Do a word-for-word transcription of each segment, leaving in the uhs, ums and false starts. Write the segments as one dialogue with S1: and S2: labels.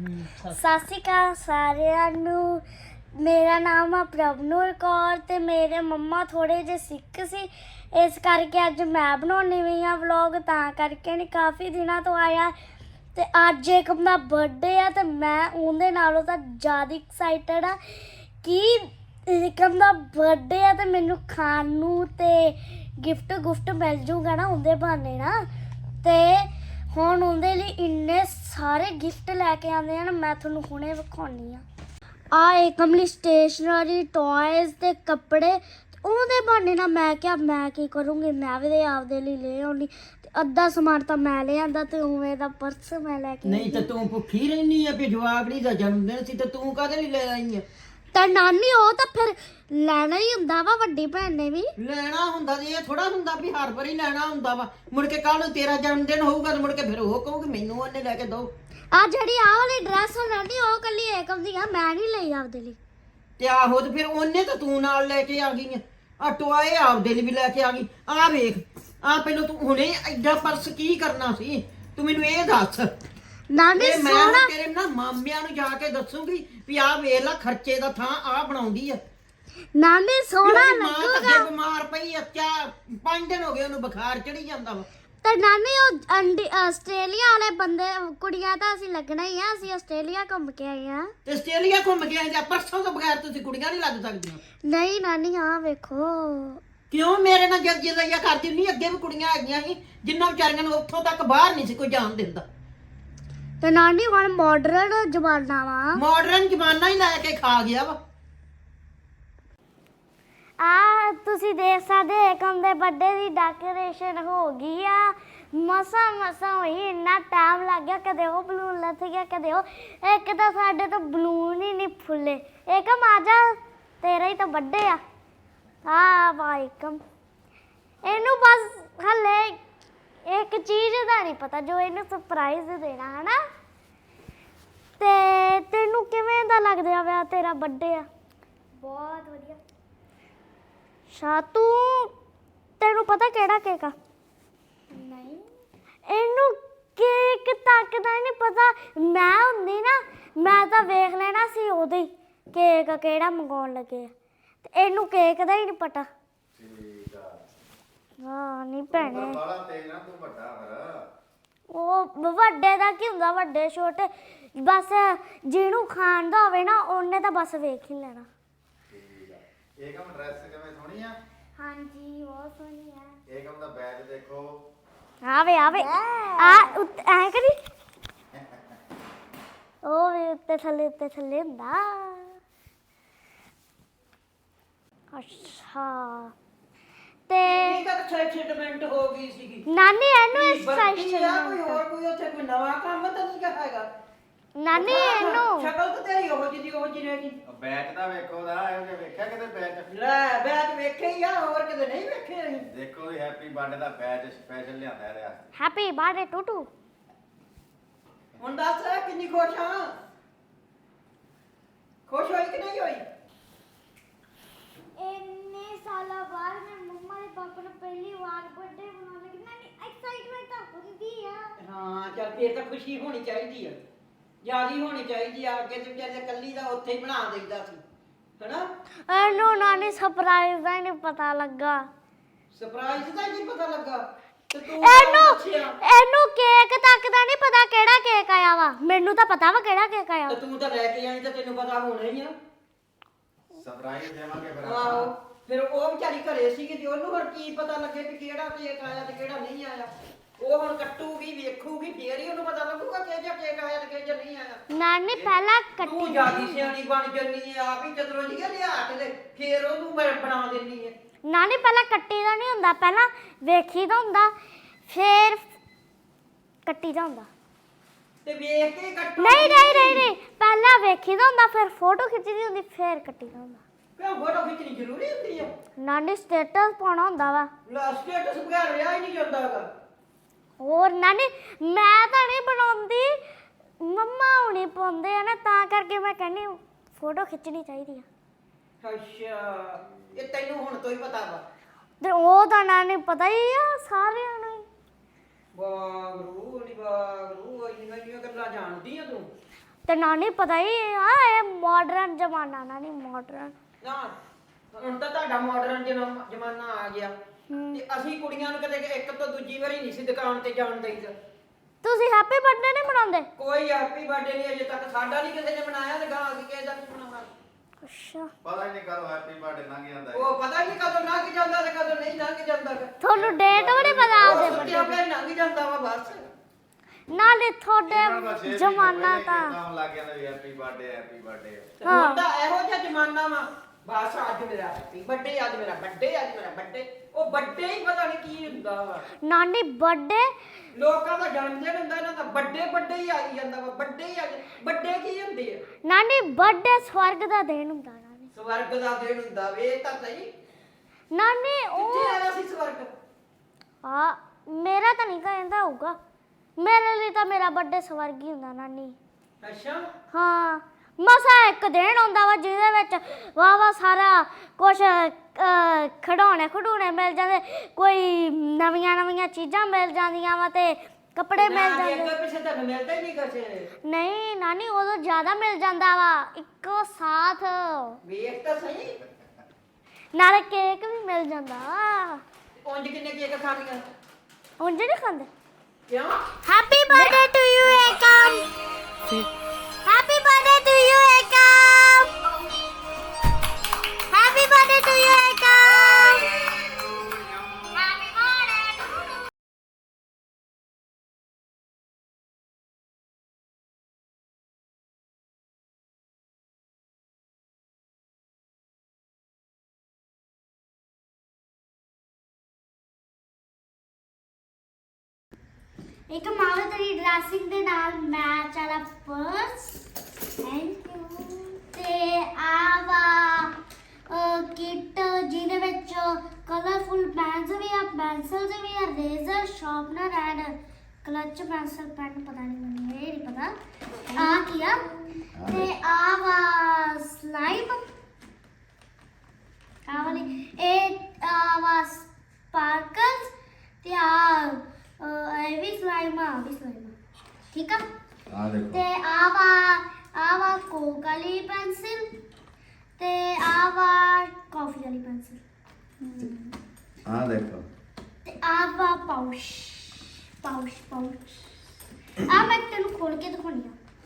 S1: ਸਤਿ ਸ਼੍ਰੀ ਅਕਾਲ ਸਾਰਿਆਂ ਨੂੰ। ਮੇਰਾ ਨਾਮ ਆ ਪ੍ਰਭਨੂਰ ਕੌਰ ਤੇ ਮੇਰੇ ਮੰਮਾ ਥੋੜੇ ਜਿਹੇ ਸਿੱਖ ਸੀ, ਇਸ ਕਰਕੇ ਅੱਜ ਮੈਂ ਬਣਾਉਣੀ ਪਈ ਆ ਵਲੌਗ। ਤਾਂ ਕਰਕੇ ਨਹੀਂ ਕਾਫੀ ਦਿਨਾਂ ਤੋਂ ਆਇਆ ਤੇ ਅੱਜ ਏਕਮ ਦਾ ਬਰਥਡੇ ਆ ਤੇ ਮੈਂ ਉਹਦੇ ਨਾਲੋਂ ਤਾਂ ਜ਼ਿਆਦਾ ਐਕਸਾਈਟਡ ਆ ਕਿ ਏਕਮ ਦਾ ਬਰਥਡੇ ਆ ਤੇ ਮੈਨੂੰ ਖਾਣ ਨੂੰ ਤੇ ਗਿਫਟ ਗੁਫਟ ਮਿਲ ਜੂਗਾ ਨਾ ਉਹਦੇ ਬਹਾਨੇ ਨਾ। ਤੇ ਹੁਣ ਉਹਦੇ ਲਈ ਇੰਨੇ ਸਾਰੇ ਗਿਫਟ ਲੈ ਕੇ ਆਉਂਦੇ ਹਨ, ਮੈਂ ਤੁਹਾਨੂੰ ਹੁਣੇ ਵਿਖਾਉਣੀ ਆ। ਆ ਏਕਮ ਲਈ ਸਟੇਸ਼ਨਰੀ ਟॉयਜ਼ ਤੇ ਕੱਪੜੇ। ਉਹਦੇ ਬਹਾਨੇ ਨਾਲ ਮੈਂ ਕਿਹਾ ਮੈਂ ਕੀ ਕਰੂੰਗੀ, ਮੈਂ ਵੀ ਆਪਦੇ ਲਈ ਲੈ ਆਉਣੀ ਤੇ ਅੱਧਾ ਸਮਾਨ ਤਾਂ ਮੈਂ ਲੈ ਆਂਦਾ ਤੇ ਉਵੇਂ ਦਾ ਪਰਸ ਮੈਂ ਲੈ ਕੇ
S2: ਨਹੀਂ ਤਾਂ ਤੂੰ ਭੁੱਖੀ ਰਹਿਨੀ ਆ ਵੀ ਜਵਾਕੜੀ ਦਾ ਜਨਮ ਦਿਨ ਸੀ ਤੇ ਤੂੰ ਕਾਹਦੇ ਲਈ ਲੈ ਆਈ ਆ?
S1: ਤਾਂ ਨਾਨੀ ਉਹ ਤਾਂ ਫਿਰ ਲੈਣਾ ਹੀ ਹੁੰਦਾ ਵਾ, ਵੱਡੀ ਭੈਣ ਨੇ ਵੀ
S2: ਲੈਣਾ ਹੁੰਦਾ ਤੇ ਇਹ ਥੋੜਾ ਹੁੰਦਾ ਵੀ ਹਰ ਵਾਰੀ ਲੈਣਾ ਹੁੰਦਾ ਵਾ। ਮੁੜ ਕੇ ਕੱਲ ਨੂੰ ਤੇਰਾ ਜਨਮ ਦਿਨ ਹੋਊਗਾ ਤੇ ਮੁੜ ਕੇ ਫਿਰ ਉਹ ਕਹੂਗੀ ਮੈਨੂੰ ਉਹਨੇ ਲੈ ਕੇ ਦੋ।
S1: ਆ ਜਿਹੜੀ ਆਹ ਵਾਲੀ ਡਰੈਸ ਨਾਨੀ ਉਹ ਕੱਲੀ ਏਕਮ ਦੀ ਆ, ਮੈਂ ਨਹੀਂ ਲਈ ਆਪਦੇ ਲਈ।
S2: ਤੇ ਆਹੋ ਤੇ ਫਿਰ ਉਹਨੇ ਤਾਂ ਤੂੰ ਨਾਲ ਲੈ ਕੇ ਆ ਗਈ ਆ। ਆ ਟੋਏ ਆਪਦੇ ਲਈ ਵੀ ਲੈ ਕੇ ਆ ਗਈ। ਆ ਵੇਖ ਆ ਪਹਿਲਾਂ ਤੂੰ ਹੁਣੇ ਐਡਾ ਪਰਸ ਕੀ ਕਰਨਾ ਸੀ ਤੂੰ ਮੈਨੂੰ ਇਹ ਦੱਸ।
S1: ਨਾਨੀ
S2: ਇਹ ਮੈਂ
S1: ਸੋਹਣਾ
S2: ਹੁਣ ਤੇਰੇ ਨਾ ਮਾਮਿਆਂ ਨੂੰ ਜਾ ਕੇ ਦੱਸੂਗੀ ਵੀ ਆਹ ਵੇਖ ਲੈ ਖਰਚੇ ਦਾ ਥਾਂ ਆ ਬਣਾਉਂਦੀ ਆ।
S1: ਨਾਨੀ ਸੋਹਣਾ
S2: ਉਹਦੀ ਮਾਂ ਤਾਂ
S1: ਲੱਗੂਗਾ।
S2: ਅੱਗੇ ਬਿਮਾਰ ਪਈ ਆ, ਚਾ ਪੰਜ ਦਿਨ ਹੋ ਗਏ ਉਹਨੂੰ ਬੁਖਾਰ ਚੜੀ ਜਾਂਦਾ ਵਾ।
S1: ਤੇ ਨਾਨੀ ਉਹ ਅੰਡੀ ਆਸਟ੍ਰੇਲੀਆ ਵਾਲੇ ਬੰਦੇ ਕੁੜੀਆਂ ਤਾਂ ਅਸੀਂ ਲੱਗਣਾ ਹੀ ਆ, ਅਸੀਂ ਆਸਟ੍ਰੇਲੀਆ ਘੁੰਮ ਕੇ ਆਏ ਆ।
S2: ਤੇ ਆਸਟ੍ਰੇਲੀਆ ਘੁੰਮ ਕੇ ਆਏ ਜਾਂ ਪਰਸੋਂ ਤੋਂ ਬਗੈਰ ਤੁਸੀਂ ਕੁੜੀਆਂ ਨਹੀਂ ਲੱਗ ਸਕਦੀਆਂ।
S1: ਨਹੀਂ ਨਾਨੀ ਆ ਵੇਖੋ।
S2: ਕਿਉਂ ਮੇਰੇ ਨਾਲ ਜਦ ਜਿਹਾ ਕਰਦੀ ਨਹੀਂ? ਅੱਗੇ ਵੀ ਕੁੜੀਆਂ ਹੈਗੀਆਂ ਸੀ ਜਿੰਨਾਂ ਵਿਚਾਰੀਆਂ ਨੂੰ ਉੱਥੋਂ ਤੱਕ ਬਾਹਰ ਨਹੀਂ ਸੀ ਕੋਈ ਜਾਣ ਦਿੰਦਾ।
S1: ਤੇ ਨਾਨੀ ਹੁਣ ਮਾਡਰਨ ਜ਼ਮਾਨਾ ਵਾ।
S2: ਮਾਡਰਨ ਜ਼ਮਾਨਾ ਹੀ ਲੈ ਕੇ ਖਾ ਗਿਆ ਵਾ।
S1: ਆ ਤੁਸੀਂ ਦੇਖ ਸਕਦੇ ਏਕਮ ਦੇ ਬਰਥਡੇ ਦੀ ਡੈਕੋਰੇਸ਼ਨ ਹੋ ਗਈ ਆ। ਮਸਾ ਮਸਾ ਹੋਈ, ਇੰਨਾ ਟਾਈਮ ਲੱਗ ਗਿਆ। ਕਦੇ ਉਹ ਬਲੂਨ ਲੱਥ ਗਿਆ, ਕਦੇ ਉਹ। ਇੱਕ ਤਾਂ ਸਾਡੇ ਤੋਂ ਬਲੂਨ ਹੀ ਨਹੀਂ ਫੁੱਲੇ। ਏਕਮ ਆ ਜਾ, ਤੇਰਾ ਹੀ ਤਾਂ ਬਰਥਡੇ ਆ। ਆ ਵਾ ਏਕਮ, ਇਹਨੂੰ ਬਸ ਹਲੇ ਇੱਕ ਚੀਜ਼ ਦਾ ਨਹੀਂ ਪਤਾ ਜੋ ਇਹਨੂੰ ਸਰਪ੍ਰਾਈਜ਼ ਦੇਣਾ ਹੈ ਨਾ। ਤੇ ਤੈਨੂੰ ਕਿਵੇਂ ਦਾ ਲੱਗਦਾ ਵਾ ਤੇਰਾ ਬਰਥਡੇ ਆ? ਬਹੁਤ ਵਧੀਆ। ਸ਼ਾਤੂ ਤੈਨੂੰ ਪਤਾ ਕਿਹੜਾ ਕੇਕ ਆ? ਨਹੀਂ, ਇਹਨੂੰ ਕੇਕ ਤੱਕ ਦਾ ਨਹੀਂ ਪਤਾ। ਮੈਂ ਹੁੰਦੀ ਨਾ ਮੈਂ ਤਾਂ ਵੇਖ ਲੈਣਾ ਸੀ ਉਹਦੇ ਹੀ ਕੇਕ ਕਿਹੜਾ ਮੰਗਾਉਣ ਲੱਗੇ ਆ, ਤੇ ਇਹਨੂੰ ਕੇਕ ਦਾ ਹੀ ਨਹੀਂ ਪਤਾ।
S3: ਠੀਕ ਆ।
S1: ਹਾਂ ਨਹੀਂ ਭੈਣੇ,
S3: ਬਾਲਾ ਤੇਜ਼ ਨਾ ਤੂੰ ਵੱਡਾ ਫਿਰ।
S1: ਉਹ ਵੱਡੇ ਦਾ ਕੀ ਹੁੰਦਾ, ਵੱਡੇ ਛੋਟੇ ਬਸ ਜਿਹਨੂੰ ਖਾਣ ਦਾ ਹੋਵੇ ਨਾ ਉਹਨੇ ਤਾਂ ਬਸ ਵੇਖ ਹੀ ਲੈਣਾ।
S3: ਠੀਕ ਆ। ਏਕਮ ਡਰੈਸ ਕਿਵੇਂ ਸੋਹਣੀ ਆ?
S1: ਹਾਂਜੀ ਬਹੁਤ ਸੋਹਣੀ ਆ।
S3: ਏਕਮ ਦਾ ਬੈਗ ਦੇਖੋ।
S1: ਆਵੇ ਆਵੇ ਆ ਐ ਕਰੀ, ਉਹ ਵੀ ਉੱਤੇ ਥੱਲੇ ਉੱਤੇ ਥੱਲੇ ਹੁੰਦਾ। ਅੱਛਾ ਤੇ
S2: ਕੀ ਕਰ ਐਕਸਾਈਟਮੈਂਟ ਹੋ ਗਈ ਸੀਗੀ
S1: ਨਾਨੀ ਇਹਨੂੰ
S2: ਕੀ ਵਰਤੀ ਆ? ਕੋਈ
S1: ਐਕਸਾਈਟਮੈਂਟ,
S2: ਹੋਰ ਕੋਈ ਉੱਥੇ ਕੋਈ ਨਵਾਂ ਕੰਮ ਤਾਂ ਨਹੀਂ ਹੈਗਾ?
S1: ਨਾਨੀ ਇਹਨੂੰ
S2: ਸ਼ਕਲ ਤਾਂ ਤੇਰੀ ਉਹੋ ਜਿਹੀ ਦੀ ਉਹੋ ਜਿਹੀ ਰਹਿ ਗਈ।
S3: ਬੈਗ ਤਾਂ ਵੇਖੋ ਦਾ, ਇਹੋ ਜਿਹਾ ਵੇਖਿਆ ਕਿਤੇ ਬੈਗ?
S2: ਲੈ ਬੈਚ ਵੇਖੇ ਹੀ ਆ, ਹੋਰ ਕਿਤੇ ਨਹੀਂ ਵੇਖੇ ਅਸੀਂ।
S3: ਦੇਖੋ ਇਹ ਹੈਪੀ ਬਰਥਡੇ ਦਾ ਬੈਗ ਸਪੈਸ਼ਲ ਲਿਆਂਦਾ ਇਹਦੇ ਵਾਸਤੇ।
S1: ਹੈਪੀ ਬਰਥਡੇ ਟੂਟੂ।
S2: ਹੁਣ ਦੱਸ ਕਿੰਨੀ ਖੁਸ਼ ਆ? ਖੁਸ਼ ਹੋਈ ਕਿ ਨਹੀਂ ਹੋਈ?
S1: ਇੰਨੇ ਸਾਲਾਂ ਬਾਅਦ ਮੈਂ ਮੰਮਾ ਦੇ ਪਾਪਾ ਨੂੰ ਪਹਿਲੀ ਵਾਰ ਬਰਥਡੇ ਮਨਾਉਣ ਲੱਗੀ। ਨਾਨੀ ਐਕਸਾਈਟਮੈਂਟ ਤਾਂ ਹੁੰਦੀ ਆ।
S2: ਹਾਂ ਚੱਲ ਫੇਰ ਤਾਂ ਖੁਸ਼ੀ ਹੋਣੀ ਚਾਹੀਦੀ ਆ, ਜਿਆਦੀ ਹੋਣੀ ਚਾਹੀਦੀ ਆ। ਅੱਗੇ ਤੇ ਵਿਚਾਰੇ ਕੱਲੀ ਦਾ ਉੱਥੇ ਹੀ ਬਣਾ ਦੇਈਦਾ ਸੀ ਹਨਾ।
S1: ਇਹਨੂੰ ਨਾਨੀ ਸਰਪ੍ਰਾਈਜ਼ ਦਾ ਹੀ ਨਹੀਂ ਪਤਾ ਲੱਗਾ।
S2: ਸਰਪ੍ਰਾਈਜ਼ ਦਾ ਹੀ ਨਹੀਂ ਪਤਾ ਲੱਗਾ ਤੇ ਤੂੰ
S1: ਇਹਨੂੰ
S2: ਦੱਸਿਆ
S1: ਇਹਨੂੰ ਕੇਕ ਤੱਕ ਦਾ ਨਹੀਂ ਪਤਾ ਕਿਹੜਾ ਕੇਕ ਆਇਆ ਵਾ। ਮੈਨੂੰ ਤਾਂ ਪਤਾ ਵਾ ਕਿਹੜਾ ਕੇਕ ਆਇਆ।
S2: ਤੇ ਤੂੰ ਤਾਂ ਲੈ ਕੇ ਆਈ ਤਾਂ ਤੈਨੂੰ ਪਤਾ ਹੋਣਾ ਹੀ ਆ।
S3: ਸਰਪ੍ਰਾਈਜ਼ ਦੇਵਾਂਗੇ ਫਿਰ
S2: ਆਹੋ
S3: ਆਪਾਂ।
S2: ਫਿਰ ਉਹ ਵਿਚਾਰੀ ਘਰੇ ਸੀਗੀ ਤੇ ਉਹਨੂੰ ਹੁਣ ਕੀ ਪਤਾ ਲੱਗੇ ਵੀ ਕਿਹੜਾ ਕੇਕ ਆਇਆ ਤੇ ਕਿਹੜਾ ਨਹੀਂ ਆਇਆ। ਉਹ ਹੁਣ ਕੱਟੂਗੀ ਵੇਖੂਗੀ ਫੇਰ ਹੀ ਉਹਨੂੰ ਪਤਾ ਲੱਗੂਗਾ ਕਿ ਜਿਹਾ ਕੇਕ ਆਇਆ ਤੇ ਕਿ ਜਿਹਾ ਨਹੀਂ ਆਇਆ।
S1: ਨਾਨੀ ਪਹਿਲਾਂ
S2: ਤੂੰ
S1: ਕੱਟੀ
S2: ਜਿਆਦੀ ਸਿਆਣੀ ਬਣ ਜੰਨੀ ਹੈ, ਆਪ ਹੀ ਚਤਰੋ ਜੀ ਲਿਆ ਕੇ ਤੇ ਫੇਰ ਉਹਨੂੰ ਮੈਂ ਬਣਾ ਦਿੰਨੀ ਹੈ।
S1: ਨਾਨੀ ਪਹਿਲਾਂ ਕੱਟੀ ਦਾ ਨਹੀਂ ਹੁੰਦਾ, ਪਹਿਲਾਂ ਵੇਖੀ ਦਾ ਹੁੰਦਾ ਫੇਰ ਕੱਟੀ ਦਾ ਹੁੰਦਾ।
S2: ਤੇ ਵੇਖ ਕੇ ਕੱਟੂ।
S1: ਨਹੀਂ ਨਹੀਂ ਨਹੀਂ ਨਹੀਂ ਪਹਿਲਾਂ ਵੇਖੀ ਦਾ ਹੁੰਦਾ ਫਿਰ ਫੋਟੋ ਖਿੱਚੀ ਦੀ ਹੁੰਦੀ ਫੇਰ ਕੱਟੀ ਦਾ ਹੁੰਦਾ।
S2: ਕਿਉਂ ਫੋਟੋ ਖਿੱਚਣੀ ਜ਼ਰੂਰੀ ਹੁੰਦੀ ਹੈ?
S1: ਨਾਨੀ ਸਟੇਟਸ ਪਾਉਣਾ ਹੁੰਦਾ ਵਾ।
S2: ਲਾ ਸਟੇਟਸ ਬਗੈਰ ਰਿਹਾ ਹੀ ਨਹੀਂ ਜਾਂਦਾ ਹੈਗਾ।
S1: ਹੋਰ ਨਾਨੀ ਮੈਂ ਤਾਂ ਨਹੀਂ ਬਣਾਉਂਦੀ, ਮੰਮਾ ਹੁਣੀ ਪਾਉਂਦੇ ਆ ਨਾ, ਤਾਂ ਕਰਕੇ ਮੈਂ ਕਹਿੰਦੀ ਫੋਟੋ ਖਿੱਚਣੀ ਚਾਹੀਦੀ ਆ।
S2: ਅੱਛਾ ਇਹ ਤੈਨੂੰ ਹੁਣ ਤੋਂ ਹੀ ਪਤਾ ਵਾ?
S1: ਤੇ ਉਹ ਤਾਂ ਨਾਨੀ ਪਤਾ ਹੀ ਆ ਸਾਰਿਆਂ ਨੂੰ।
S2: ਵਾਗਰੂ ਨੀ ਵਾਗਰੂ ਇੰਨੀਆਂ ਇੰਨੀਆਂ ਗੱਲਾਂ ਜਾਣਦੀ ਆ ਤੂੰ।
S1: ਤੇ ਨਾਨੀ ਪਤਾ ਹੀ ਆ ਇਹ ਮਾਡਰਨ ਜ਼ਮਾਨਾ ਨਾਨੀ ਮਾਡਰਨ
S2: ਨਾ ਹੁਣ ਤਾਂ ਤੁਹਾਡਾ ਮਾਡਰਨ ਜ਼ਮਾਨਾ ਆ ਗਿਆ ਤੇ ਅਸੀਂ ਕੁੜੀਆਂ ਨੂੰ ਕਦੇ ਇੱਕ ਤੋਂ ਦੂਜੀ ਵਾਰੀ ਨਹੀਂ ਸੀ ਦੁਕਾਨ ਤੇ ਜਾਣ ਦੇਈਦਾ।
S1: ਤੁਸੀਂ ਹੈਪੀ ਬਰਥਡੇ ਨਹੀਂ ਮਨਾਉਂਦੇ?
S2: ਕੋਈ ਹੈਪੀ ਬਰਥਡੇ ਨਹੀਂ ਅਜੇ ਤੱਕ ਸਾਡਾ ਨਹੀਂ ਕਿਸੇ ਨੇ ਮਨਾਇਆ ਤੇ ਗਾਂ ਅਸੀਂ ਕਿਸੇ ਦਾ ਨਹੀਂ ਮਨਾਉਣਾ।
S1: ਅੱਛਾ
S3: ਪਤਾ ਹੀ ਨਹੀਂ ਕਦੋਂ ਹੈਪੀ ਬਰਥਡੇ ਲੰਘ ਜਾਂਦਾ ਹੈ।
S2: ਉਹ ਪਤਾ ਨਹੀਂ ਕਦੋਂ ਲੰਘ ਜਾਂਦਾ ਤੇ ਕਦੋਂ ਨਹੀਂ ਲੰਘ ਜਾਂਦਾ ਗਾ।
S1: ਤੁਹਾਨੂੰ ਡੇਟ ਵੀ ਨਹੀਂ ਪਤਾ
S2: ਉਹ
S1: ਉਹਦੇ
S2: ਸੁੱਤਿਆਂ
S1: birthday
S2: ਪਿਆ ਲੰਘ ਜਾਂਦਾ ਵਾ ਬਸ।
S1: ਦੀ? ਨਾਲੇ
S3: ਇਹਨਾਂ ਨੂੰ ਬਸ
S1: ਤੁਹਾਡੇ
S3: ਇਹ
S1: ਜ਼ਮਾਨਾ
S3: ਪਹਿਲੇ
S1: ਤਾਂ
S3: ਕੰਮ ਲੱਗ ਜਾਂਦਾ ਵੀ ਹੈਪੀ ਬਰਥਡੇ ਹੈਪੀ ਬਰਥਡੇ।
S2: ਹੁਣ ਤਾਂ ਇਹੋ ਜਿਹਾ ਜ਼ਮਾਨਾ ਵਾ ਬਸ ਅੱਜ ਮੇਰਾ ਹੈਪੀ ਬਰਥਡੇ ਅੱਜ ਮੇਰਾ ਬਰਥਡੇ ਅੱਜ ਮੇਰਾ ਬਰਥਡੇ ਉਹ ਬਰਥਡੇ ਹੀ ਪਤਾ ਨਹੀਂ ਕੀ ਹੁੰਦਾ ਵਾ।
S1: ਨਾਨੀ ਬਰਥਡੇ
S2: ਲੋਕਾਂ ਦਾ ਜਨਮ ਦਿਨ ਹੁੰਦਾ ਇਹਨਾਂ ਦਾ ਬਰਥਡੇ ਬਰਥਡੇ ਹੀ ਆਈ ਜਾਂਦਾ ਵਾ ਬਰਥਡੇ ਹੀ ਅੱਜ ਬਰਥਡੇ ਕੀ ਹੁੰਦੇ ਆ?
S1: ਨਾਨੀ ਬਰਥਡੇ ਸਵਰਗ ਦਾ ਦਿਨ ਹੁੰਦਾ ਨਾਨੀ।
S2: ਸਵਰਗ ਦਾ ਦਿਨ ਹੁੰਦਾ ਵੇ ਤਾਂ ਸਹੀ
S1: ਨਾਨੀ
S2: ਕਿੱਥੇ
S1: ਉਹ
S2: ਆਇਆ ਸੀ ਸਵਰਗ?
S1: ਆ ਮੇਰਾ ਤਾਂ ਨਹੀਂ ਕਹਿੰਦਾ ਹੋਊਗਾ ਮੇਰੇ ਲਈ ਤਾਂ ਮੇਰਾ ਬਰਥਡੇ ਸਵਰਗ ਹੀ ਹੁੰਦਾ ਨਾਨੀ।
S2: ਅੱਛਾ
S1: ਹਾਂ ਮਸਾ ਇੱਕ ਦਿਨ ਹੁੰਦਾ ਵਾ ਜਿਹਦੇ ਵਿੱਚ ਵਾਹ ਵਾਹ ਸਾਰਾ ਕੁਛ ਖਿਡੌਣੇ ਖਡੂਣੇ ਮਿਲ ਜਾਂਦੇ ਕੋਈ ਨਵੀਆਂ ਨਵੀਆਂ ਚੀਜ਼ਾਂ ਮਿਲ ਜਾਂਦੀਆਂ ਵਾ ਤੇ ਕੱਪੜੇ ਮਿਲ
S2: ਨਾ,
S1: ਜਾਂਦੇ।
S2: ਅੱਗੇ ਪਿੱਛੇ ਤਾਂ ਮਿਲਦਾ ਹੀ ਨਹੀਂ ਕੁਛ।
S1: ਨਹੀਂ ਨਾਨੀ ਉਦੋਂ ਜ਼ਿਆਦਾ ਮਿਲ ਜਾਂਦਾ ਵਾ ਇੱਕੋ ਸਾਥ
S2: ਵੇਖ ਤਾਂ ਸਹੀ
S1: ਨਾਲੇ ਕੇਕ ਵੀ ਮਿਲ ਜਾਂਦਾ
S2: ਉਂਝ ਕਿੰਨੇ ਕੇਕ ਖਾਣੀਆਂ
S1: ਉਂਝ ਨਹੀਂ ਖਾਂਦੇ।
S2: ਕਿਉਂ?
S1: Happy birthday to you Ekam happy birthday to you Ekam happy birthday to you Ekam happy birthday. ਇੱਕ ਮਾਵਾ ਤੇਰੀ ਡਰੈਸਿੰਗ ਦੇ ਨਾਲ ਮੈਚ ਵਾਲਾ ਪਰਸ ਥੈਂਕ ਯੂ ਤੇ ਆਵਾ ਕਿਟ ਜਿਹਦੇ ਵਿੱਚ ਕਲਰਫੁਲ ਪੈਨਸ ਵੀ ਆ ਪੈਨਸਲਸ ਵੀ ਆ eraser sharpener and clutch pencil pen ਪਤਾ ਨਹੀਂ ਮੈਨੂੰ ਇਹ ਨਹੀਂ ਪਤਾ ਆ ਕੀ ਆ ਤੇ ਆਵਾ ਸਲਾਈਮ ਆ ਵਾਲੀ ਇਹ ਆਵਾ ਸਪਾਰਕਲਸ ਤੇ ਆ ਇਹ ਵੀ ਸਲਾਈਮ ਆ ਵੀ ਸਲਾਈਮ ਠੀਕ ਆ
S3: ਆ ਦੇਖੋ
S1: ਤੇ ਆਵਾ ਆਵਾ ਕੋਕ ਵਾਲੀ ਪੈਨਸਿਲ ਤੇ ਆਵਾ ਕਾਫੀ ਵਾਲੀ ਪੈਨਸਿਲ
S3: ਆ ਦੇਖੋ
S1: ਤੇ ਆਵਾ ਪਾਊਚ ਪਾਊਚ ਪਾਊਚ ਆ ਮੈਂ ਤੈਨੂੰ ਖੋਲ ਕੇ ਦਿਖਾਉਣੀ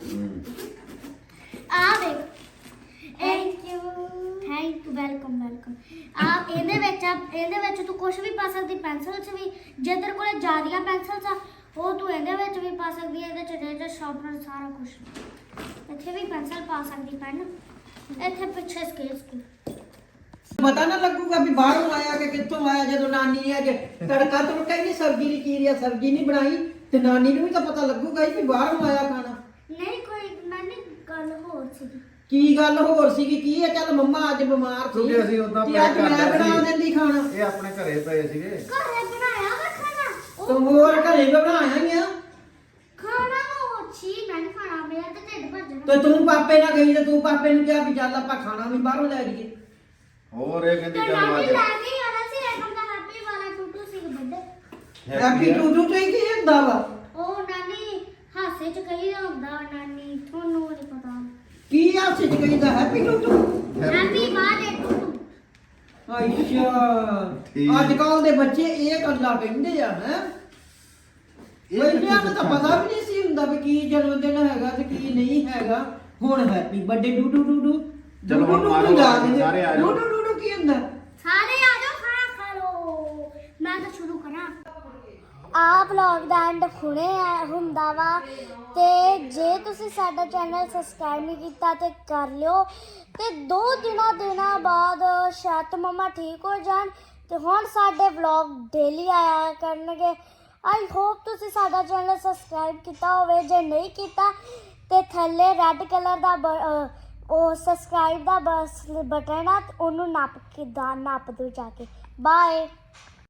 S1: ਆ ਆ ਦੇਖ thank you thank you welcome welcome ਆ ਇਹਦੇ ਵਿੱਚ ਆ ਇਹਦੇ ਵਿੱਚ ਤੂੰ ਕੁਝ ਵੀ ਪਾ ਸਕਦੀ ਪੈਨਸਲ 'ਚ ਵੀ ਜੇ ਤੇਰੇ ਕੋਲ ਜ਼ਿਆਦੀਆਂ ਪੈਨਸਲਸ ਆ ਉਹ ਤੂੰ ਇਹਦੇ ਵਿੱਚ ਵੀ ਪਾ ਸਕਦੀ ਹੈ ਇਹਦੇ 'ਚ ਰੇਜ਼ਰ ਸ਼ਾਰਪਨਰ ਸਾਰਾ ਕੁਝ ਇੱਥੇ ਵੀ ਪੈਨਸਲ ਪਾ ਸਕਦੀ ਪੈਨ ਇੱਥੇ ਪਿੱਛੇ ਸਕੇਲ ਸਕੂਲ
S2: ਪਤਾ ਨਾ ਲੱਗੂਗਾ ਵੀ ਬਾਹਰੋਂ ਆਇਆ ਕਿ ਕਿੱਥੋਂ ਆਇਆ ਜਦੋਂ ਨਾਨੀ ਨੇ ਅੱਜ ਤੜਕਾ ਤੁੜਕਾ ਹੀ ਨਹੀਂ ਸਬਜ਼ੀ ਨਹੀਂ ਚੀਰਿਆ ਸਬਜ਼ੀ ਨਹੀਂ ਬਣਾਈ ਤੇ ਨਾਨੀ ਨੂੰ ਵੀ ਤਾਂ ਪਤਾ ਲੱਗੂਗਾ ਹੀ ਵੀ ਬਾਹਰੋਂ ਆਇਆ ਖਾਣਾ।
S1: ਨਹੀਂ ਕੋਈ ਮੈਨੇ ਗੱਲ ਹੋਰ ਸੀਗੀ
S2: ਕੀ ਗੱਲ ਹੋਰ ਸੀਗੀ ਕੀ ਹੈ ਚੱਲ ਮੰਮਾ ਅੱਜ ਬਿਮਾਰ ਸੀ
S3: ਕਿਉਂਕਿ ਅਸੀਂ ਉੱਦਾਂ
S2: ਤੇ
S3: ਪੈਕ
S2: ਅੱਜ
S3: ਕਰ
S2: ਮੈਂ
S3: ਲਿਆ
S2: ਬਣਾ
S3: ਸੀ।
S2: ਦਿੰਦੀ ਖਾਣਾ
S3: ਇਹ ਆਪਣੇ ਘਰੇ ਪਏ ਸੀਗੇ
S1: ਘਰੇ ਬਣਾਇਆ ਵਾ ਖਾਣਾ
S2: ਤੂੰ
S1: ਉਹ
S2: ਹੋਰ ਘਰੇ ਵੀ ਬਣਾਇਆ ਹੀ ਆ
S1: ਖਾਣਾ ਉਹ ਛੀ ਮੈਂ ਨੀ ਖਾਣਾ ਮੇਰਾ ਤੇ ਢਿੱਡ ਭਰ ਜਾਣਾ
S2: ਤੇ ਤੂੰ ਪਾਪੇ ਨਾਲ ਗਈ ਤੇ ਤੂੰ ਪਾਪੇ ਨੂੰ ਕਿਹਾ ਵੀ ਚੱਲ ਆਪਾਂ ਖਾਣਾ ਵੀ ਬਾਹਰੋਂ ਲੈ ਲਈਏ।
S3: ਹੋਰ ਇਹ ਕਹਿੰਦੀ
S1: ਤੇ
S3: ਚੱਲ
S1: ਨਾਨੀ
S3: ਅੱਜ
S1: ਲੈ ਕੇ ਹੀ ਆਣਾ ਸੀ ਐਕਮ ਦਾ ਹੈਪੀ ਵਾਲਾ ਟੂਟੂ ਸੀ ਬੱਡੇ
S2: ਹੈਪੀ ਟੂ ਟੂ ਤੇ ਕੀ ਹੁੰਦਾ ਵਾ
S1: ਉਹ ਨਾਨੀ ਹਾਸੇ ਚ ਕਹੀ ਦਾ ਹੁੰਦਾ ਨਾਨੀ ਤੁਹਾਨੂੰ ਨਹੀਂ ਪਤਾ
S2: ਕੀ ਆ ਸਿੱਜ ਗਈ ਦਾ happy to to
S1: happy birthday ਟੂਟੂ
S2: ਅੱਛਾ
S3: ਠੀਕ।
S2: ਅੱਜ ਕੱਲ ਦੇ ਬੱਚੇ ਇਹ ਗੱਲਾਂ ਕਹਿੰਦੇ ਆ ਹੈ ਪਹਿਲਾਂ ਤਾਂ ਪਤਾ ਵੀ ਨਹੀਂ ਸੀ ਹੁੰਦਾ ਵੀ ਕੀ ਜਨਮ ਦਿਨ ਹੈਗਾ ਤੇ ਕੀ ਨਹੀਂ ਹੈਗਾ ਹੁਣ ਹੈਪੀ ਬਰਥਡੇ ਡੂ ਡੂ ਡੂ ਡੂ
S3: ਚਲੋ ਹੁਣ ਮਾਰੋ, ਸਾਰੇ ਆ ਜਾਓ।
S2: ਡੂ ਡੂ ਡੂ ਕੀ ਹੁੰਦਾ
S1: ਸਾਰੇ ਆ ਜਾਓ ਖਾਣਾ ਖਾ ਲਓ ਮੈਂ ਤਾਂ ਸ਼ੁਰੂ ਕਰਾਂ ਆ ਵਲੌਗ ਦਾ ਐਂਡ ਹੁਣੇ ਆ ਹੁੰਦਾ ਵਾ ਤੇ ਜੇ ਤੁਸੀਂ ਸਾਡਾ ਚੈਨਲ ਸਬਸਕ੍ਰਾਈਬ ਨਹੀਂ ਕੀਤਾ ਤੇ ਕਰ ਲਿਓ ਤੇ ਦੋ ਦਿਨਾਂ ਦਿਨਾਂ ਬਾਅਦ ਸ਼ਾਇਦ ਮਮਾ ਠੀਕ ਹੋ ਜਾਣ ਤੇ ਹੁਣ ਸਾਡੇ ਵਲੌਗ ਡੇਲੀ ਆਇਆ ਕਰਨਗੇ। ਆਈ ਹੋਪ ਤੁਸੀਂ ਸਾਡਾ ਚੈਨਲ ਸਬਸਕ੍ਰਾਈਬ ਕੀਤਾ ਹੋਵੇ ਜੇ ਨਹੀਂ ਕੀਤਾ ਤੇ ਥੱਲੇ ਰੈੱਡ ਕਲਰ ਦਾ ਬ- ਅਹ ਉਹ ਸਬਸਕ੍ਰਾਈਬ ਦਾ ਬਸ ਬਟਨ ਆ ਤੇ ਉਹਨੂੰ ਨੱਪ ਕੇ ਦਾ ਨੱਪ ਦਿਓ ਜਾ ਕੇ ਬਾਏ।